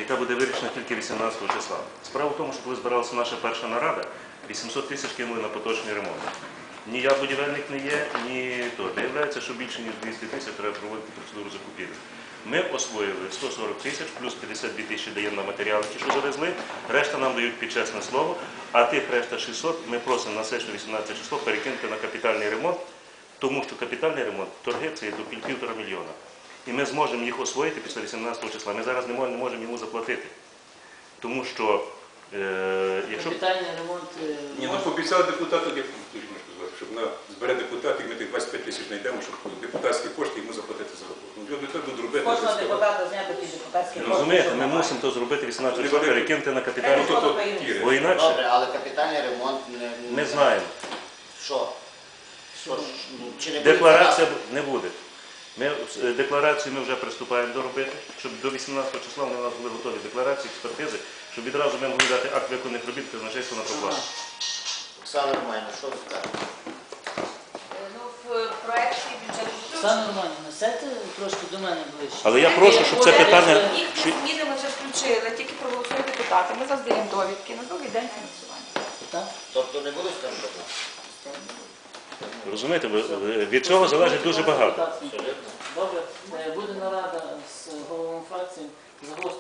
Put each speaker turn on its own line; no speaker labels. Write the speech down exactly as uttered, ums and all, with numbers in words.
яка буде вирішена тільки вісімнадцятого числа. Справа в тому, що коли збиралася наша перша нарада, вісімсот тисяч кинули на поточний ремонт. Ні я будівельник не є, ні то. Виявляється, що більше ніж двісті тисяч треба проводити процедуру закупівлі. Ми освоїли сто сорок тисяч, плюс п'ятдесят дві тисячі даємо на матеріали, ті, що завезли, решта нам дають під чесне слово, а тих решта шістсот ми просимо на сесію вісімнадцятого число перекинути на капітальний ремонт, тому що капітальний ремонт, торги це до півтора мільйона. І ми зможемо їх освоїти після вісімнадцятого числа. Ми зараз не можемо, не можемо йому заплатити. Тому що, е, якщо...
Капітальний ремонт... Е,
Ні, ну пообіцяли депутату, як можна сказати, щоб на збере депутатів, ми тих двадцять п'ять тисяч знайдемо, щоб депутатські кошти йому заплатити за роботу. Ну, люди так будуть робити.
Кожного депутата зняти ті депутатські кошти.
Розумієте, ми мусимо то зробити вісімнадцятого числа, перекинути на капітальний ремонт. Бо інакше...
Добре, але капітальний ремонт не...
Ми знаємо.
Що? Що? Чи не буде
Декларація не буде. Ми, декларацію ми вже приступаємо до робити, щоб до вісімнадцятого числа у нас були готові декларації, експертизи, щоб відразу ми могли дати акт виконаних робіт казначейству на проплату.
Оксана Романівна, що ви скажете?
Ну, в проєкті бюджету
Оксана Романівна, сядьте трошки до мене ближче.
Але я прошу, щоб це питання...
Їхні зміни ми вже включили, тільки проголосують депутати. Ми завжди довідки на другий день фінансування.
Так?
Тобто не буде скажімо так?
Розумієте, від цього залежить дуже багато.
Добре, буде нарада з головами фракції.